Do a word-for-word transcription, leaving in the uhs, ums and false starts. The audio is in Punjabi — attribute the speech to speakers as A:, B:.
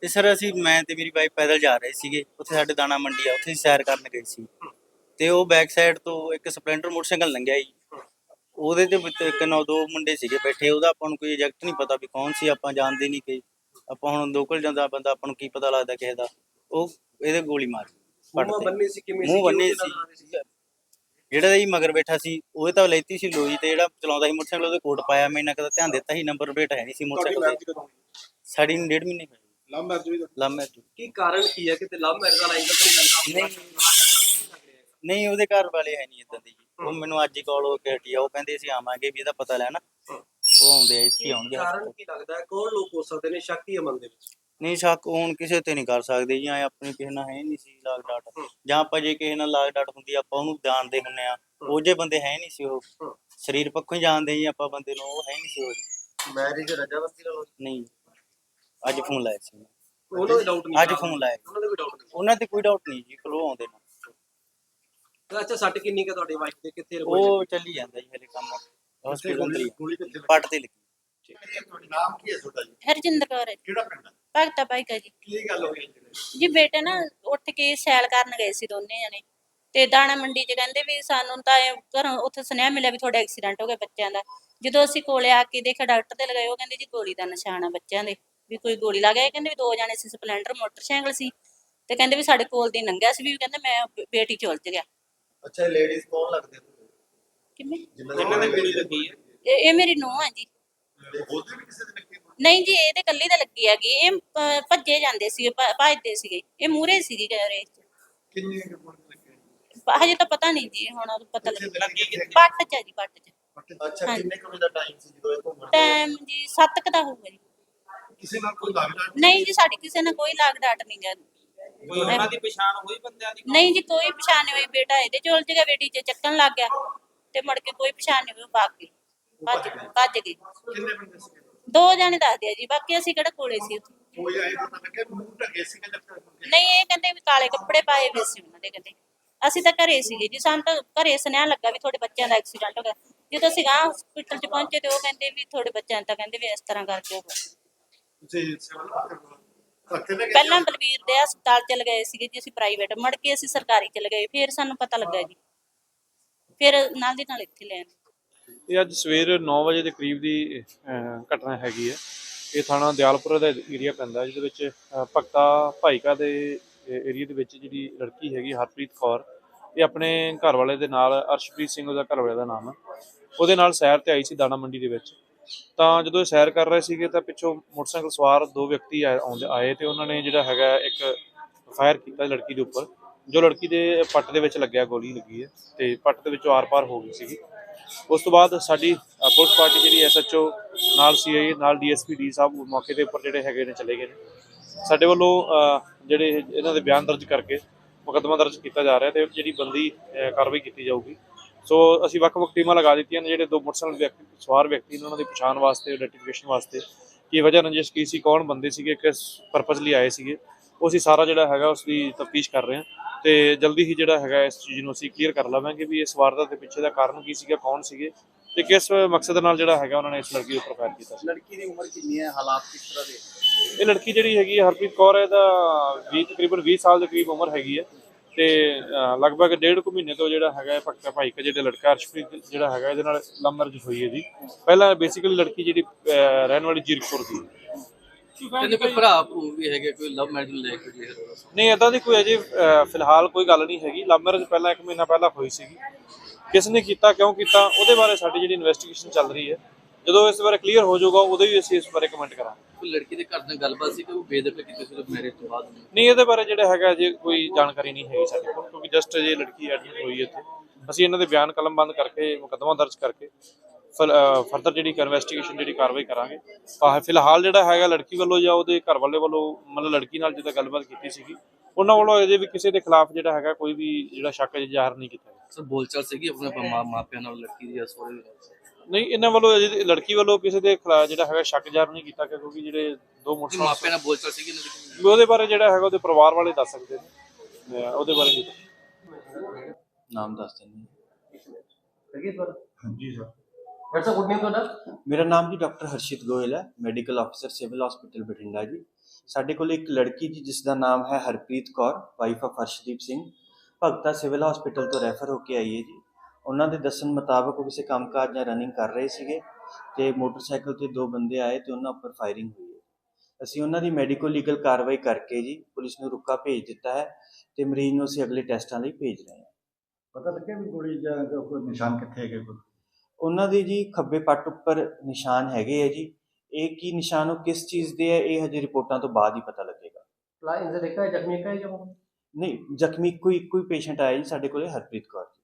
A: ਤੇ ਸਰ ਅਸੀਂ ਮੈਂ ਤੇ ਮੇਰੀ ਵਾਈਫ ਪੈਦਲ ਜਾ ਰਹੇ ਸੀਗੇ, ਉੱਥੇ ਸਾਡੇ ਦਾਣਾ ਮੰਡੀ ਆ, ਉੱਥੇ ਸੈਰ ਕਰਨ ਗਏ ਸੀ ਤੇ ਉਹ ਬੈਕ ਸਾਈਡ ਤੋਂ ਇੱਕ ਸਪਲੈਂਡਰ ਮੋਟਰਸਾਈਕਲ ਲੰਘਿਆ ਜੀ। ਉਹਦੇ ਤੇ ਵਿੱਚ ਇੱਕ ਨੌ ਦੋ ਮੁੰਡੇ ਸੀਗੇ ਬੈਠੇ, ਉਹਦਾ ਆਪਾਂ ਨੂੰ ਕੋਈ ਐਗਜ਼ੈਕਟ ਨਹੀਂ ਪਤਾ ਵੀ ਕੌਣ ਸੀ, ਆਪਾਂ ਜਾਣਦੇ ਨਹੀਂ ਕਿ ਆਪਾਂ ਹੁਣ ਲੋਕਲ ਜਾਂਦਾ ਬੰਦਾ ਆਪਾਂ ਨੂੰ ਕੀ ਪਤਾ ਲੱਗਦਾ ਕਿਸੇ ਦਾ। ਉਹ ਇਹਦੇ ਗੋਲੀ ਮਾਰੀ
B: ਮੂੰਹ ਬੰਨੇ ਸੀ ਕਿਵੇਂ ਸੀ?
A: ਮੂੰਹ ਬੰਨੇ ਸੀ। ਜਿਹੜਾ ਜੀ ਮਗਰ ਬੈਠਾ ਸੀ ਉਹਦੇ ਤਾਂ ਲੈਤੀ ਸੀ ਲੋਈ, ਤੇ ਜਿਹੜਾ ਚਲਾਉਂਦਾ ਸੀ ਮੋਟਰਸਾਈਕਲ ਉਹਦੇ ਕੋਟ ਪਾਇਆ। ਮੈਂ ਇੰਨਾ ਕਦਾ ਧਿਆਨ ਦਿੱਤਾ ਸੀ, ਨੰਬਰ ਪਲੇਟ ਹੈ ਨਹੀਂ ਸੀ ਮੋਟਰਸਾਈਕਲ ਤੇ। ਸਾਡੀ ਨੂੰ ਡੇਢ ਮਹੀਨੇ ਹੋਏ।
B: ਲਵ ਮੈਰਿਜ ਵੀ?
A: Love marriage.
B: ਕੀ ਕਾਰਨ ਕੀ ਹੈ? ਕਿਤੇ ਲਵ ਮੈਰਿਜ ਵਾਲਾ ਐਂਗਲ ਤਾਂ ਨਹੀਂ ਲੱਗਦਾ?
A: ਨਹੀਂ, ਉਹਦੇ ਘਰ ਵਾਲੇ ਹੈ ਨਹੀਂ ਇਦਾਂ ਦੀ ਜੀ। ਉਹ ਮੈਨੂੰ ਅੱਜ ਹੀ ਕਾਲ ਹੋ ਕੇ ਹਟੀ ਆ, ਉਹ ਕਹਿੰਦੇ ਅਸੀਂ ਆਵਾਂਗੇ ਵੀ ਇਹਦਾ ਪਤਾ ਲੈਣਾ। ਉਹ ਆਉਂਦੇ ਆ, ਇੱਥੇ ਆਉਣਗੇ।
B: ਕਾਰਨ ਕੀ ਲੱਗਦਾ ਹੈ? ਕੌਣ ਲੋਕ ਹੋ ਸਕਦੇ ਨੇ? ਸ਼ੱਕ ਹੀ ਹੈ ਮਨ ਦੇ ਵਿੱਚ?
A: ਨਹੀਂ, ਸ਼ੱਕ ਹੁਣ ਕਿਸੇ ਤੇ ਨਹੀਂ ਕਰ ਸਕਦੇ ਜੀ। ਐ ਆਪਣੀ ਕਿਸੇ ਨਾਲ ਹੈ ਨਹੀਂ ਸੀ ਲਾਗ ਡਾਟ, ਜਾਂ ਆਪਾਂ ਜੇ ਕਿਸੇ ਨਾਲ ਲਾਗ ਡਾਟ ਹੁੰਦੀ ਆਪਾਂ ਉਹਨੂੰ ਜਾਣਦੇ ਹੁੰਦੇ ਆ। ਉਹ ਜੇ ਬੰਦੇ ਹੈ ਨਹੀਂ ਸੀ, ਉਹ ਸਰੀਰ ਪੱਖੋਂ ਹੀ ਜਾਣਦੇ ਜੀ ਆਪਾਂ ਬੰਦੇ ਨੂੰ, ਉਹ ਹੈ ਨਹੀਂ ਸੀ। ਉਹ
B: ਮੈਰਿਜ ਰਜਾਮੰਦੀ ਨਾਲ?
A: ਨਹੀਂ, ਅੱਜ ਫੋਨ ਲਾਇਆ ਸੀ
B: ਉਹਨਾਂ ਦੇ ਡਾਊਟ ਨਹੀਂ?
A: ਅੱਜ ਫੋਨ ਲਾਇਆ
B: ਉਹਨਾਂ ਦੇ ਕੋਈ ਡਾਊਟ ਨਹੀਂ?
A: ਉਹਨਾਂ ਤੇ ਕੋਈ ਡਾਊਟ ਨਹੀਂ ਜੀ, ਕੋਲ ਆਉਂਦੇ ਨੇ।
B: ਅੱਛਾ, ਸੱਟ ਕਿੰਨੀ ਕੁ ਤੁਹਾਡੀ ਵਾਈਫ ਦੇ? ਕਿੱਥੇ?
A: ਉਹ ਚੱਲੀ ਜਾਂਦਾ ਜੀ ਹਲੇ ਕੰਮ, ਹਸਪੀਟਲ ਤੇ ਪੱਟ ਤੇ ਲੱਗੀ।
C: ਨਾਮ ਕੀ ਹੈ ਤੁਹਾਡਾ ਜੀ?
D: ਹਰਜਿੰਦਰ ਕੌਰ ਹੈ।
C: ਕਿਹੜਾ ਪਿੰਡ ਹੈ?
D: ਭਗਤਾ ਭਾਈ ਕਾ ਜੀ।
C: ਕੀ ਗੱਲ ਹੋਈ
D: ਜੀ ਬੇਟੇ ਨਾ ਉੱਠ ਕੇ ਸੈਲ ਕਰਨ ਗਏ ਸੀ ਦੋਨੇ ਜਣੇ, ਤੇ ਦਾਣਾ ਮੰਡੀ 'ਚ ਕਹਿੰਦੇ ਵੀ ਸਾਨੂੰ ਤਾਂ ਘਰੋਂ ਉੱਥੇ ਸੁਨੇਹਾ ਮਿਲਿਆ ਵੀ ਤੁਹਾਡਾ ਐਕਸੀਡੈਂਟ ਹੋ ਗਿਆ ਬੱਚਿਆਂ ਦਾ। ਜਦੋਂ ਅਸੀਂ ਕੋਲੇ ਆ ਕੇ ਦੇਖਿਆ, ਡਾਕਟਰ ਦੇ ਲਗਾਏ, ਉਹ ਕਹਿੰਦੇ ਜੀ ਗੋਲੀ ਦਾ ਨਿਸ਼ਾਨ ਆ ਬੱਚਿਆਂ ਦੇ, ਵੀ ਕੋਈ ਗੋਲੀ ਲੱਗ ਗਈ। ਕਹਿੰਦੇ ਵੀ ਦੋ ਜਾਣੇ ਸੀ, ਸਪਲੈਂਡਰ ਮੋਟਰਸਾਈਕਲ ਸੀ, ਤੇ ਕਹਿੰਦੇ ਵੀ ਸਾਡੇ ਕੋਲ ਦੀ ਲੰਘਿਆ ਸੀ, ਵੀ ਕਹਿੰਦੇ ਮੈਂ ਬੇਟੀ ਚ ਉਲਝ ਗਿਆ।
C: ਅੱਛਾ, ਲੇਡੀਜ਼ ਕੌਣ ਲੱਗਦੇ ਤੁਹਾਨੂੰ?
D: ਕਿਵੇਂ?
C: ਜਿਨ੍ਹਾਂ ਦੇ ਗੋਲੀ ਲੱਗੀ ਹੈ?
D: ਇਹ ਇਹ ਮੇਰੀ ਨੂੰਹ ਆ ਜੀ।
C: ਉਹਦੇ ਵੀ ਕਿਸੇ ਦੇ ਲੱਗੀ?
D: ਨਹੀਂ ਜੀ, ਇਹ ਤੇ ਕੱਲੀ ਤਾਂ ਲੱਗੀ ਹੈਗੀ। ਇਹ ਅਹ, ਭੱਜੇ ਜਾਂਦੇ ਸੀਗੇ, ਭ- ਭੱਜਦੇ ਸੀਗੇ, ਇਹ ਮੂਹਰੇ ਸੀਗੀ ਰੇਸ 'ਚ।
C: ਕਿੰਨੇ ਗੋਲੀ ਲੱਗੇ?
D: ਹਜੇ ਤਾਂ ਪਤਾ ਨਹੀਂ ਜੀ, ਹੁਣ ਪਤਾ
C: ਕਿੱਥੇ
D: ਲੱਗ
C: ਲੱਗੀ ਕਿੱਥੇ?
D: ਪੱਟ 'ਚ ਆ ਜੀ, ਪੱਟ 'ਚ।
C: ਅੱਛਾ,
D: ਹਾਂਜੀ।
C: ਕਿੰਨੇ ਕੁ ਵਜੇ ਦਾ ਟਾਈਮ ਸੀ ਜਦੋਂ ਇਹ ਘੁੰਮਣ ਗਏ?
D: ਟਾਈਮ ਜੀ ਸੱਤ ਕੁ ਦਾ ਹੋਊਗਾ ਜੀ।
C: ਕਿਸੇ ਨਾਲ ਕੋਈ ਲੱਗਦਾ
D: ਨਹੀਂ ਜੀ, ਸਾਡੀ ਕਿਸੇ ਨਾਲ ਕੋਈ ਲਾਗ ਡਾਟ ਨਹੀਂ ਗਾ।
B: ਕੋਈ ਉਹਨਾਂ ਦੀ ਪਛਾਣ ਹੋਈ ਬੰਦਿਆਂ ਦੀ?
D: ਨਹੀਂ ਜੀ, ਕੋਈ ਪਛਾਣ ਨਹੀਂ ਹੋਈ। ਬੇਟਾ ਇਹਦੇ ਚ ਉਲਝ ਗਿਆ, ਬੇਟੀ ਚ ਚੱਕਣ ਲੱਗ ਗਿਆ, ਤੇ ਮੁੜ ਕੇ ਕੋਈ ਪਛਾਣ ਨਹੀਂ ਹੋਈ। ਉਹ ਭੱਜ ਗਈ, ਭੱਜ ਭੱਜ ਗਈ।
C: ਕਿੰਨੇ ਬੰਦੇ ਸੀ?
D: ਦੋ ਜਾਣੇ ਦੱਸਦੇ ਆ ਜੀ, ਬਾਕੀ ਅਸੀਂ ਕਿਹੜਾ ਕੋਲੇ ਸੀ ਉੱਥੇ।
C: ਕੋਈ ਆਏ ਪਤਾ ਲੱਗਿਆ ਮੂੰਹ ਢਕੇ ਸੀ ਕਿ
D: ਨਹੀਂ, ਇਹ ਕਹਿੰਦੇ ਵੀ ਕਾਲੇ ਕੱਪੜੇ ਪਾਏ ਹੋਏ ਸੀ ਉਹਨਾਂ ਦੇ। ਕਹਿੰਦੇ ਅਸੀਂ ਤਾਂ ਘਰੇ ਸੀਗੇ ਜੀ, ਸਾਨੂੰ ਤਾਂ ਘਰੇ ਸੁਨੇਹਾ ਲੱਗਾ ਵੀ ਤੁਹਾਡੇ ਬੱਚਿਆਂ ਦਾ ਐਕਸੀਡੈਂਟ ਹੋ ਗਿਆ। ਜਦੋਂ ਅਸੀਂ ਗਾਂ ਹਸਪੀਟਲ ਚ ਪਹੁੰਚੇ ਤੇ ਉਹ ਕਹਿੰਦੇ ਵੀ ਤੁਹਾਡੇ ਬੱਚਿਆਂ ਤਾਂ ਕਹਿੰਦੇ ਵੀ ਇਸ ਤਰ੍ਹਾਂ ਕਰਕੇ ਹੋ ਗਿਆ।
C: ਤੁਸੀਂ
D: ਪਹਿਲਾਂ ਬਲਵੀਰ ਦੇ ਹਸਪਤਾਲ ਚ ਲਗਾਏ ਸੀਗੇ ਜੀ ਅਸੀਂ, ਪ੍ਰਾਈਵੇਟ, ਮੁੜ ਕੇ ਅਸੀਂ ਸਰਕਾਰੀ ਚ ਲਗਾਏ, ਫਿਰ ਸਾਨੂੰ ਪਤਾ ਲੱਗਾ ਜੀ, ਫਿਰ ਨਾਲ ਦੀ ਨਾਲ ਇੱਥੇ ਲੈਣ।
E: ਇਹ ਅੱਜ ਸਵੇਰ ਨੌ ਵਜੇ ਦੇ ਕਰੀਬ ਦੀ ਅਹ, ਘਟਨਾ ਹੈਗੀ ਹੈ। ਇਹ ਥਾਣਾ ਦਿਆਲਪੁਰ ਦਾ ਏਰੀਆ ਪੈਂਦਾ, ਜਿਹਦੇ ਵਿੱਚ ਅਹ, ਭਗਤਾ ਭਾਈਕਾ ਦੇ ਏਰੀਆ ਦੇ ਵਿੱਚ ਜਿਹੜੀ ਲੜਕੀ ਹੈਗੀ ਹਰਪ੍ਰੀਤ ਕੌਰ, ਇਹ ਆਪਣੇ ਘਰ ਵਾਲੇ ਦੇ ਨਾਲ, ਅਰਸ਼ਪ੍ਰੀਤ ਸਿੰਘ ਉਹਦਾ ਘਰ ਵਾਲੇ ਦਾ ਨਾਮ ਹੈ, ਉਹਦੇ ਨਾਲ ਸੈਰ ਤੇ ਆਈ ਸੀ ਦਾਣਾ ਮੰਡੀ ਦੇ ਵਿੱਚ। ਤਾਂ ਜਦੋਂ ਇਹ ਸੈਰ ਕਰ ਰਹੇ ਸੀਗੇ ਤਾਂ ਪਿੱਛੋਂ ਮੋਟਰਸਾਈਕਲ ਸਵਾਰ ਦੋ ਵਿਅਕਤੀ ਆਏ ਆਉਂਦੇ ਆਏ ਤੇ ਉਹਨਾਂ ਨੇ ਜਿਹੜਾ ਹੈਗਾ ਇੱਕ ਫਾਇਰ ਕੀਤਾ ਲੜਕੀ ਦੇ ਉੱਪਰ, ਜੋ ਲੜਕੀ ਦੇ ਪੱਟ ਦੇ ਵਿੱਚ ਲੱਗਿਆ, ਗੋਲੀ ਲੱਗੀ ਹੈ ਤੇ ਪੱਟ ਦੇ ਵਿੱਚੋਂ ਆਰ ਪਾਰ ਹੋ ਗਈ ਸੀਗੀ। ਉਸ ਤੋਂ ਬਾਅਦ ਸਾਡੀ ਪੁਲਿਸ ਪਾਰਟੀ ਜਿਹੜੀ ਐਸ ਐਚ ਓ ਨਾਲ ਸੀ ਆਈ ਨਾਲ ਡੀ ਐਸ ਪੀ ਡੀ ਸਾਹਿਬ ਮੌਕੇ ਦੇ ਉੱਪਰ ਜਿਹੜੇ ਹੈਗੇ ਨੇ ਚਲੇ ਗਏ ਨੇ। ਸਾਡੇ ਵੱਲੋਂ ਜਿਹੜੇ ਇਹਨਾਂ ਦੇ ਬਿਆਨ ਦਰਜ ਕਰਕੇ ਮੁਕੱਦਮਾ ਦਰਜ ਕੀਤਾ ਜਾ ਰਿਹਾ ਤੇ ਜਿਹੜੀ ਬੰਦੀ ਕਾਰਵਾਈ ਕੀਤੀ ਜਾਊਗੀ। ਸੋ ਅਸੀਂ ਵੱਖ ਵੱਖ ਟੀਮਾਂ ਲਗਾ ਦਿੱਤੀਆਂ ਨੇ, ਜਿਹੜੇ ਦੋ ਮੋਟਰਸਾਈਕਲ ਵਿਅਕਤੀ ਸਵਾਰ ਵਿਅਕਤੀ ਨੇ ਉਹਨਾਂ ਦੀ ਪਛਾਣ ਵਾਸਤੇ, ਆਈਡੈਂਟੀਫਿਕੇਸ਼ਨ ਵਾਸਤੇ, ਕੀ ਵਜ੍ਹਾ ਰੰਜਿਸ਼ ਕੀ ਸੀ, ਕੌਣ ਬੰਦੇ ਸੀਗੇ, ਕਿਸ ਪਰਪਸ ਲਈ ਆਏ ਸੀਗੇ, ਉਹ ਅਸੀਂ ਸਾਰਾ ਜਿਹੜਾ ਹੈਗਾ ਉਸ ਦੀ ਤਫਤੀਸ਼ ਕਰ ਰਹੇ ਹਾਂ ਤੇ ਜਲਦੀ ਹੀ ਜਿਹੜਾ ਹੈਗਾ ਇਸ ਚੀਜ਼ ਨੂੰ ਅਸੀਂ ਕਲੀਅਰ ਕਰ ਲਵਾਂਗੇ ਵੀ ਇਸ ਵਾਰਦਾਤ ਦੇ ਪਿੱਛੇ ਦਾ ਕਾਰਨ ਕੀ ਸੀਗਾ, ਕੌਣ ਸੀਗੇ ਤੇ ਕਿਸ ਮਕਸਦ ਨਾਲ ਜਿਹੜਾ ਹੈਗਾ ਉਹਨਾਂ ਨੇ ਇਸ ਲੜਕੀ ਉੱਪਰ ਫਾਇਰ ਕੀਤਾ ਸੀ।
C: ਲੜਕੀ ਦੀ ਉਮਰ ਕਿੰਨੀ ਹੈ? ਹਾਲਾਤ ਕਿਸ ਤਰ੍ਹਾਂ ਦੇ?
E: ਇਹ ਲੜਕੀ ਜਿਹੜੀ ਹੈਗੀ ਹੈ ਹਰਪ੍ਰੀਤ ਕੌਰ, ਇਹਦਾ ਵੀਹ ਤਕਰੀਬਨ ਵੀਹ ਸਾਲ ਦੇ ਕਰੀਬ ਉਮਰ ਹੈਗੀ ਹੈ ਤੇ ਲਗਭਗ ਡੇਢ ਕੁ ਮਹੀਨੇ ਤੋਂ ਜਿਹੜਾ ਹੈਗਾ ਭਗਤਾ ਭਾਈ ਕਾ ਜਿਹੜਾ ਲੜਕਾ ਅਰਸ਼ਪ੍ਰੀਤ ਜਿਹੜਾ ਹੈਗਾ ਇਹਦੇ ਨਾਲ ਲਵ ਮੈਰਿਜ ਹੋਈ ਹੈ ਜੀ। ਪਹਿਲਾਂ ਬੇਸਿਕਲੀ ਲੜਕੀ ਜਿਹੜੀ ਰਹਿਣ ਵਾਲੀ ਜੀਰਕਪੁਰ ਦੀ।
F: ਕਹਿੰਦੇ ਕੋਈ ਭਰਾ ਭੂ ਵੀ ਹੈਗੇ, ਕੋਈ ਲਵ ਮੈਰਿਜ ਲੈ ਕੇ?
E: ਨਹੀਂ, ਇਦਾਂ ਦੀ ਕੋਈ ਅਜੇ ਫਿਲਹਾਲ ਕੋਈ ਗੱਲ ਨਹੀਂ ਹੈਗੀ। ਲਵ ਮੈਰਿਜ ਪਹਿਲਾਂ ਇੱਕ ਮਹੀਨਾ ਪਹਿਲਾਂ ਹੋਈ ਸੀਗੀ, ਕਿਸ ਨੇ ਕੀਤਾ, ਕਿਉਂ ਕੀਤਾ, ਉਹਦੇ ਬਾਰੇ ਸਾਡੀ ਜਿਹੜੀ ਇਨਵੈਸਟੀਗੇਸ਼ਨ ਚੱਲ ਰਹੀ ਹੈ। ਜਦੋਂ ਇਸ ਬਾਰੇ ਕਲੀਅਰ ਹੋ ਜਾਊਗਾ ਉਦੋਂ ਹੀ ਅਸੀਂ ਇਸ ਬਾਰੇ ਕਮੈਂਟ ਕਰਾਂਗੇ।
F: ਕੋਈ ਲੜਕੀ ਦੇ ਘਰ ਨਾਲ ਗੱਲਬਾਤ ਸੀ ਕਿ ਉਹ ਬੇਦਖਲ ਕੀਤੀ ਸੀ ਮੈਰਿਜ ਤੋਂ ਬਾਅਦ?
E: ਨਹੀਂ, ਇਹਦੇ ਬਾਰੇ ਜਿਹੜਾ ਹੈਗਾ ਜੇ ਕੋਈ ਜਾਣਕਾਰੀ ਨਹੀਂ ਹੈਗੀ ਸਾਡੇ ਕੋਲ, ਕਿਉਂਕਿ ਜਸਟ ਜੇ ਲੜਕੀ ਐਡਮਿਟ ਹੋਈ ਹੈ ਇੱਥੇ। ਅਸੀਂ ਇਹਨਾਂ ਦੇ ਬਿਆਨ ਕਲਮਬੰਦ ਕਰਕੇ ਮੁਕੱਦਮਾ ਦਰਜ ਕਰਕੇ ਫਰਦਰ ਜਿਹੜੀ ਇਨਵੈਸਟੀਗੇਸ਼ਨ ਜਿਹੜੀ ਕਾਰਵਾਈ ਕਰਾਂਗੇ। ਫਿਲਹਾਲ ਜਿਹੜਾ ਹੈਗਾ ਲੜਕੀ ਵੱਲੋਂ ਜਾਂ ਉਹਦੇ ਘਰ ਵਾਲੇ ਵੱਲੋਂ, ਮਤਲਬ ਲੜਕੀ ਨਾਲ ਜਿੱਦਾਂ ਗੱਲਬਾਤ ਕੀਤੀ ਸੀਗੀ, ਉਹਨਾਂ ਵੱਲੋਂ ਅਜੇ ਵੀ ਕਿਸੇ ਦੇ ਖਿਲਾਫ ਜਿਹੜਾ ਹੈਗਾ ਕੋਈ ਵੀ ਜਿਹੜਾ ਸ਼ੱਕ ਅਜੇ ਜ਼ਾਹਰ ਨਹੀਂ ਕੀਤਾ ਗਿਆ।
F: ਸਰ ਬੋਲਚਾਲ ਸੀਗੀ ਆਪਣੇ ਮਾਪਿਆਂ ਨਾਲ ਲੜਕੀ ਦੀ ਜਾਂ ਸਹੁਰੇ ਦੀ?
E: ਨਹੀਂ, ਇਹਨਾਂ ਵੱਲੋਂ ਅਜੇ ਲੜਕੀ ਵੱਲੋਂ ਕਿਸੇ ਦੇ ਖਿਲਾਫ ਜਿਹੜਾ ਹੈਗਾ ਸ਼ੱਕ ਜ਼ਾਹਰ ਨਹੀਂ ਕੀਤਾ ਗਿਆ, ਕਿਉਂਕਿ ਜਿਹੜੇ ਦੋ ਮੋਟਰਸਾਈਕਲ
F: ਮਾਪਿਆਂ ਨਾਲ ਬੋਲਚਾਲ ਸੀਗੀ
E: ਉਹਦੇ ਬਾਰੇ ਜਿਹੜਾ ਹੈਗਾ ਉਹਦੇ ਪਰਿਵਾਰ ਵਾਲੇ ਦੱਸ ਸਕਦੇ ਨੇ, ਉਹਦੇ ਬਾਰੇ ਨਹੀਂ।
G: ਨਾਮ ਦੱਸ ਦਿੰਦੇ।
C: ਹਾਂਜੀ ਸਰ।
B: ਡਾਕਟਰ ਸਾਹਿਬ, ਗੁੱਡ ਨੇਮ ਤੁਹਾਡਾ?
G: ਮੇਰਾ ਨਾਮ ਜੀ ਡਾਕਟਰ ਹਰਸ਼ਿਤ ਗੋਇਲ ਹੈ, ਮੈਡੀਕਲ ਅਫਸਰ ਸਿਵਲ ਹਸਪੀਟਲ ਬਠਿੰਡਾ ਜੀ। ਸਾਡੇ ਕੋਲ ਇੱਕ ਲੜਕੀ ਜੀ ਜਿਸ ਦਾ ਨਾਮ ਹੈ Harpreet Kaur wife of Harshdeep Singh, Bhagta civil hospital ਤੋਂ ਰੈਫਰ ਹੋ ਕੇ ਆਈ ਹੈ ਜੀ। ਉਹਨਾਂ ਦੇ ਦੱਸਣ ਮੁਤਾਬਕ ਉਹ ਕਿਸੇ ਕੰਮਕਾਜ ਜਾਂ ਰਨਿੰਗ ਕਰ ਰਹੇ ਸੀਗੇ ਤੇ ਮੋਟਰਸਾਈਕਲ ਤੇ ਦੋ ਬੰਦੇ ਆਏ ਤੇ ਉਹਨਾਂ ਉੱਪਰ ਫਾਇਰਿੰਗ ਹੋਈ ਹੈ। ਅਸੀਂ ਉਹਨਾਂ ਦੀ ਮੈਡੀਕੋ ਲੀਗਲ ਕਾਰਵਾਈ ਕਰਕੇ ਜੀ ਪੁਲਿਸ ਨੂੰ ਰੁਕਾ ਭੇਜ ਦਿੱਤਾ ਹੈ ਤੇ ਮਰੀਜ਼ ਨੂੰ ਅਸੀਂ ਅਗਲੇ ਟੈਸਟਾਂ ਲਈ ਭੇਜ ਰਹੇ ਹਾਂ।
C: ਪਤਾ ਲੱਗਿਆ ਵੀ ਗੋਲੀ ਜਾਂ ਕੋਈ ਨਿਸ਼ਾਨ ਕਿੱਥੇ ਹੈਗੇ ਕੋਈ?
G: ਉਹਨਾਂ ਦੇ ਜੀ ਖੱਬੇ ਪੱਟ ਉੱਪਰ ਨਿਸ਼ਾਨ ਹੈਗੇ ਹੈ ਜੀ। ਇਹ ਕੀ ਨਿਸ਼ਾਨ ਉਹ ਕਿਸ ਚੀਜ਼ ਦੇ ਹੈ ਇਹ ਹਜੇ ਰਿਪੋਰਟਾਂ ਤੋਂ ਬਾਅਦ ਹੀ ਪਤਾ ਲੱਗੇਗਾ।
B: ਲਾ ਇੰਜਰ ਇੱਕ ਹੈ ਜ਼ਖਮੀ ਇੱਕ ਹੈ ਜਾਂ
G: ਨਹੀਂ, ਜ਼ਖਮੀ ਕੋਈ ਕੋਈ ਪੇਸ਼ੈਂਟ ਆਇਆ ਜੀ ਸਾਡੇ ਕੋਲੇ, ਹਰਪ੍ਰੀਤ ਕੌਰ ਜੀ।